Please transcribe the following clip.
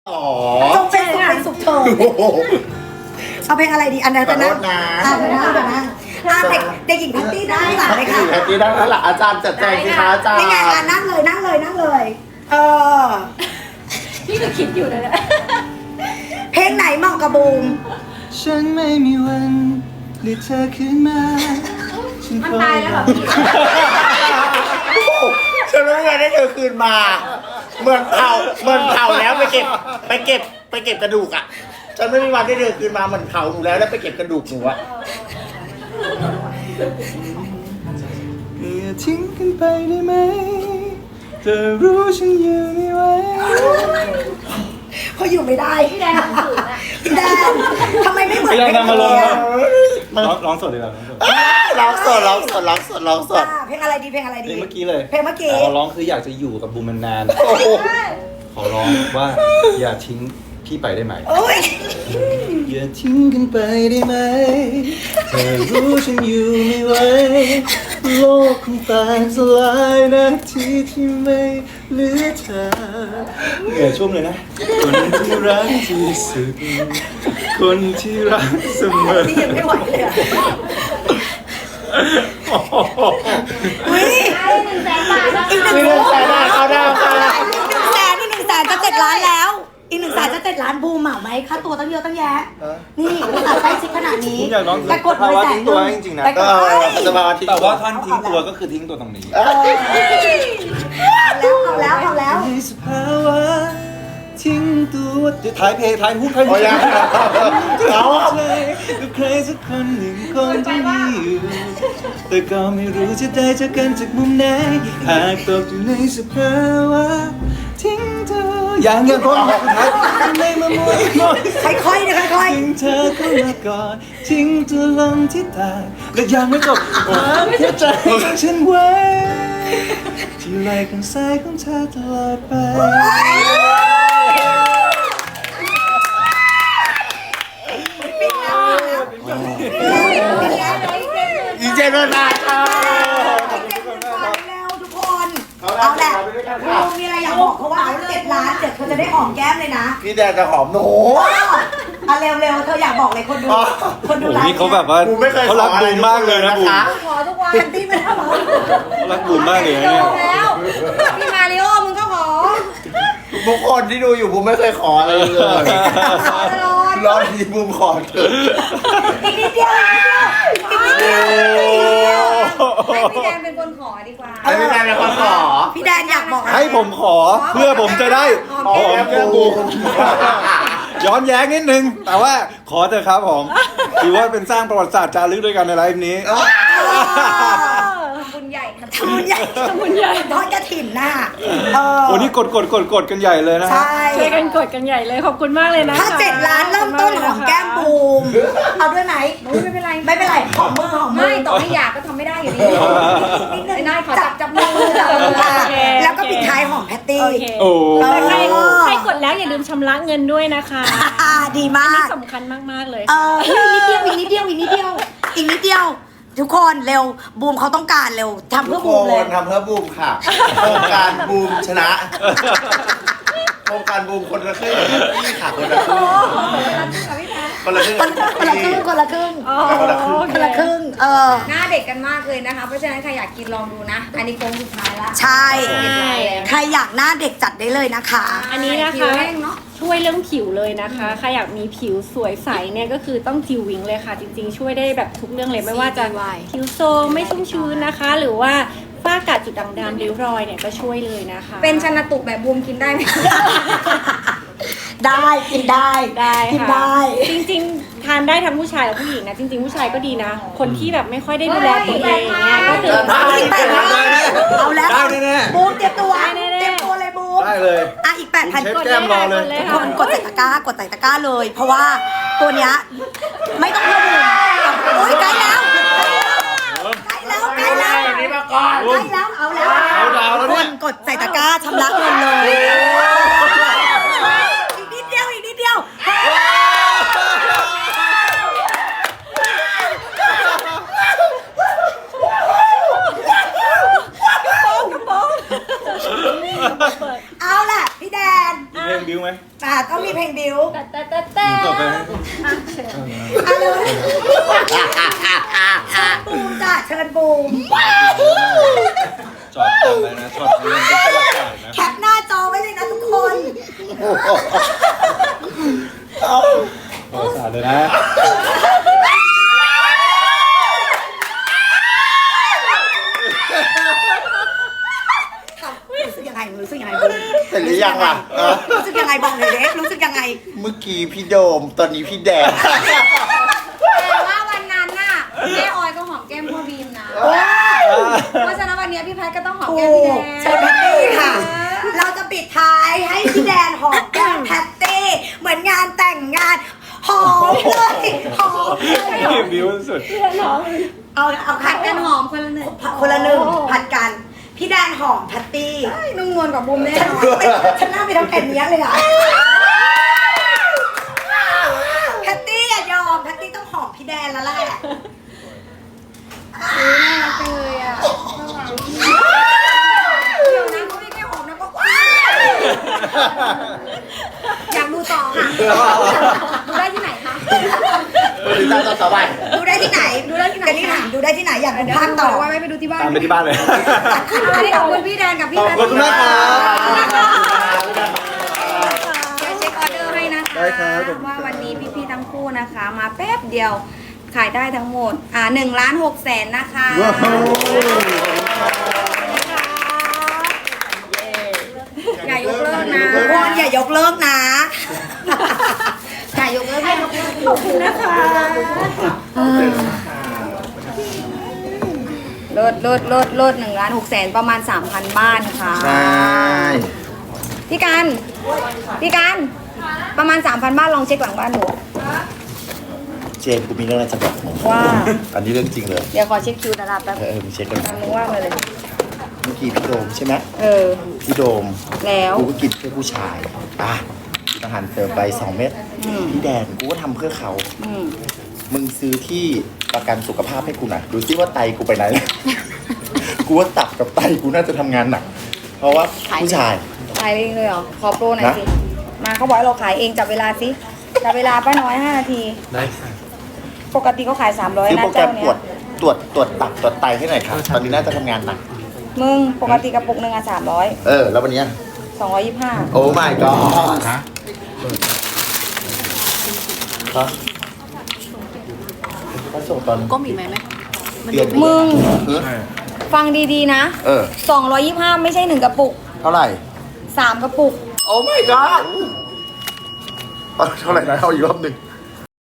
อ๋อจงเป็นสุขเถิดเอาเพลงอะไรดีอันนั้นขอโทษนะเดี๋ยวนะเด็กหญิงแพตตี้ได้หลังเลยค่ะแพตตี้ได้แล้วล่ะอาจารย์จัดแจงสิคะอาจารย์นี่ไงนั่งเลยพี่ก็คิดอยู่นะเพลงไหนเหมาะกับบูมฉันไม่มีวันเรียกเธอขึ้นมาฉันมันคอตายยแล้วรเหรออพี่ฉันไม่มีวันได้เธอคืนมาเหมือนเผาแล้วไปเก็บกระดูกอ่ะฉันไม่มีวันได้เธอคืนมาเหมือนเผาหนูแล้วไปเก็บกระดูกหนูอ่ะอย่าทิ้งกันไปได้ไหมเธอรู้ฉันอยู่ไม่ไหวเขาอยู่ไม่ได้พี่แดงสูงอ่ะพี่แดงทำไมไม่เหมือนไม่ต้องนำมาลงเพลงร้องสดดีกว่าร้องสดร้องสดเพลงอะไรดีเพลงเมื่อกี้เลยเพลงเมื่อกี้ขอร้องคืออยากจะอยู่กับบูมนานโอ้โหๆขอร้องว่าอย่าทิ้งพี่ไปได้ไหมโอ้ยอย่าทิ้งกันไปได้ไหมเธอรู้ฉันอยู่ไม่ไหวโลกคงแตกสลายนาทีที่ไม่เหลือเธอเหนื่อยชุ่มเลยนะคนที่รักที่สุดคนที่รักเสมอนี่ยังไม่ไหวเลยอะอุ้ยได้100,000 บาทแล้วอีกหนึ่งมีเรื่องแสนเขาดาวค่ะอีก100,000จะ7 ล้านแล้ว อีก100,000จะ7 ล้านบูมเหมาไหมค่าตัวตั้งเยอะตั้งแยะ นี่อุตส่าห์ใกล้ชิดขนาดนี้ผมอยากร้องแต่กดภาวะ 100,000 ทิ้งตัวจริงๆนะแต่กดจะมาทิ้งแต่ว่าท่านทิ้งตัวก็คือทิ้งตัวตรงนี้เอาแล้วในสภาวะทิ้งตัวท้ายเพลงท้ายฮุกท้ายฮุโอ้กยเอาใจกับใครสักคนหนึ่งคงจะมีอยู่แต่ก็ไม่รู้จะได้เจอกันจากมุมไหนหากตกอยู่ในสภาวะทิ้งเธออย่างคนสุดท้ายไม่มามัวมองค่อยๆนะค่อยทิ้งเธอเข้ามาก่อนทิ้งตัวลงที่ตายและยังไม่จบวางหัวใจฉันไว้ที่ไหล่ข้างซ้ายของเธอตลอดไปอีเจนนาค่ะแล้วทุกคนเอาแหละบูมมีอะไรอยากบอกเขาว่า7 ล้านเดี๋ยวเธอจะได้หอมแก้มเลยนะพี่แดนจะหอมหนูอ่ะเร็วๆเธออยากบอกเลยคนดูไลฟ์นี่เขาแบบว่าบูมไม่เคยเขารักบูมมากเลยนะบูมขอทุกวันแพตตี้ไม่ทำหรอเขารักบูมมากเลยนะเนี่ยแล้วพี่มาริโอมึงก็ขอทุกคนที่ดูอยู่บูมไม่เคยขออะไรเลยขอตลอดรอบนี้บูมขอเถอะอีกนิดเดียวให้พี่แดงเป็นคนขอดีกว่าให้พี่แดนเป็นคนขอพี่แดนอยากบอกให้ผมขอเพื่อผมจะได้ขอแก้มบูมย้อนแย้งนิดนึง แต่ว่าขอเถอะครับผมถือว่าเป็นสร้างประวัติศาสตร์จารึกด้วยกันในไลฟ์นี้บุญใหญ่ครับทำบุญใหญ่ทอดกระถิ่นน่ะโอ้นี่กดกันใหญ่เลยนะฮะใช่ช่วยกันกดกันใหญ่เลยขอบคุณมากเลยนะคะถ้า7 ล้านเริ่มต้นของแก้มบูมเอาด้วยไหมไม่เป็นไรไม่เป็นไรหอมมือไม่ต่อให้อยากก็ทำไม่ได้อยู่ดีนิดนึงไอ้นายขอจับมือแล้วก็ปิดท้ายหอมแพตตี้โอเคโอ้ใครกดแล้วอย่าลืมชำระเงินด้วยนะคะดีมากสำคัญมากๆเลยอีกนิดเดียวทุกคนเร็วบูมเขาต้องการเร็วทำเพื่อบูมเลยทำเพื่อบูมค่ะโครงการบูมชนะโครงการบูมคนละครึ่งพี่ค่ะคนละครึ่งคนละครึ่งคนละครึ่งคนละครึ่งหน้าเด็กกันมากเลยนะคะ เพราะฉะนั้นใครอยากกินลองดูนะ อันนี้โค้งสุดท้ายละใช่ ใครอยากหน้าเด็กจัดได้เลยนะคะอันนี้นะผิวคะแห้งเนาะช่วยเรื่องผิวเลยนะคะใครอยากมีผิวสวยใสเนี่ยก็คือต้องจิววิงเลยค่ะ จริงๆ ช่วยได้แบบทุกเรื่องเลยไม่ว่าจะผิวโซมไม่ชุ่มชื้นนะคะ หรือว่าฝ้ากระจุดด่างดำริ้วรอยเนี่ยก็ช่วยเลยนะคะเป็นชันตุกแบบบูมกินได้ไหมได้กินได้ได้กินค่ะได้จริงๆทานได้ทั้งผู้ชายและผู้หญิงนะจริงๆผู้ชายก็ดีนะ คนที่แบบไม่ค่อยได้ดูแลตัวเองเนี่ยก็คือเอาอีก8,000เอาแล้วได้แน่บูมเตรียมตัวได้แน่ๆเตรียมตัวเลยบูมได้เลยอ่ะอีก 8,000 เชฟกดแก้มรอเลยเลยคนกดใส่ตะกร้ากดเลย เพราะว่าตัวเนี้ยไม่ต้องเพิ่มบูมโอ้ยใกล้แล้วใกล้แล้วแบบนี้มาก่อนใกล้แล้วเอาแล้วเอาดาวแล้วคเนี่ยนกดใส่ตะกร้าชำระเงินเลยอีกนิดเดียวเอาล่ะพี่แดนมีเพลงบิวไหมต้องมีเพลงบิวแต่ต่อไปอ่ะเลยเชิญบูมจ้ะเชิญบูมจอดตรงเลยนะจอดตรงนั้นเป็นตลาดนะแคปหน้าจอไว้เลยนะทุกคนขอสาดเลยนะรู้สึกยังไงรู้สึกยังไงบูมเห็นหรือยังล่ะรู้สึกยังไงบอกเลยเด็กรู้สึกยังไงเมื่อกี้พี่โดม ตอนนี้พี่แดงแต่ว่าวันนั้นน่ะแม่ออยก็หอมแก้มพ่อบีมนะ เพราะฉะนั้นวันนี้พี่แพทย์ก็ต้องหอมถูแก้มพี่แดกงเชิญแพตตี้ค่ะ เราจะปิดท้ายให้พี่แดนหอมแก้มแพตตี้เหมือนงานแต่งงานหอมเลยหอมเลยบิวสุดเอาผัผัดดกักัน นหอมคนละหนึ่งคนละหนึ่งผัดกัน พี่แดนหอมแพตตี้นุ่มนวลกว่าบูมแน่นอนฉันน่าไปทำแผ่นนี้เลยล่ะแพตตี้อย่ายอมแพตตี้ต้องหอมพี่แดนแล้วแหละน่ารักจังเลยอ่ะเดี๋ยวนะเขาไม่แค่หอมนะก็ว้าวอยากดูต่อค่ะ ดูได้ที่ไหนคะติดตามต่อไปดูได้ที่ไหนดูได้ที่ไหนกันนี่ถามดูได้ที่ไหนอยากดูภาคต่อไว้ไปดูที่บ้านตามไปที่บ้านเลยอันนี้ขอบคุณพี่แดนกับพี่แพทย์ขอบคุณมากครับเดี๋ยวเช็คออเดอร์ให้นะคะได้ครับว่าวันนี้พี่ๆทั้งคู่นะคะ มาแป๊บเดียวขายได้ทั้งหมด1,600,000นะคะว้าวอย่ายกเลิกนะทุกคนอย่ายกเลิกนะอย่ายกเลิกให้ยกเลิกขอบคุณนะคะลด1,600,000ประมาณ 3,000 บ้านค่ะใช่พี่การประมาณ 3,000 บ้านลองเช็คหลังบ้านหนูเจมส์กูมีเรื่องอะไรจะบอกมึงว่าอันนี้เรื่องจริงเลยเดี๋ยวขอเช็คคิวดาราแป๊บมึงเช็คกันทำนึกว่ามาเลยเมื่อกี้พี่โดมใช่ไหมเออพี่โดมแล้วกูก็กินเพื่อผู้ชายกินอาหารเติมไป2 เม็ดอืมพี่แดนกูก็ทำเพื่อเขาอืมมึงซื้อที่ประกันสุขภาพให้กูหน่อยดูซิว่าไตกูไปไหน กูว่าตับกับไตกูน่าจะทำงานหนัก เพราะว่าผู้ชายขายเองเลยเหรอ ขอโปรหน่อยนะสิ มาเขาบอกให้เราขายเองจับเวลาสิ จับเวลาป้าน้อย 5 นาทีได้ค่ะปกติเขาขาย 300 ซื้อนะโปรแกรเจ้าม เนี้ตรวจตับตรวจไตให้หน่อยครับตอนนี้น่าจะทำงานหนักมึงปกติกระปุกหนึ่งอ่ะ300 แล้ววันเนี้ย 225 โอ้ my god ฮะก็ส่งตอนก็มีไหมเดือนมึงเออฟังดีๆนะ 225 ไม่ใช่ 1 กระปุกเท่าไหร่ 3 กระปุกโอ้ my god เท่าไหร่นะเอาอีกรอบหนึ่ง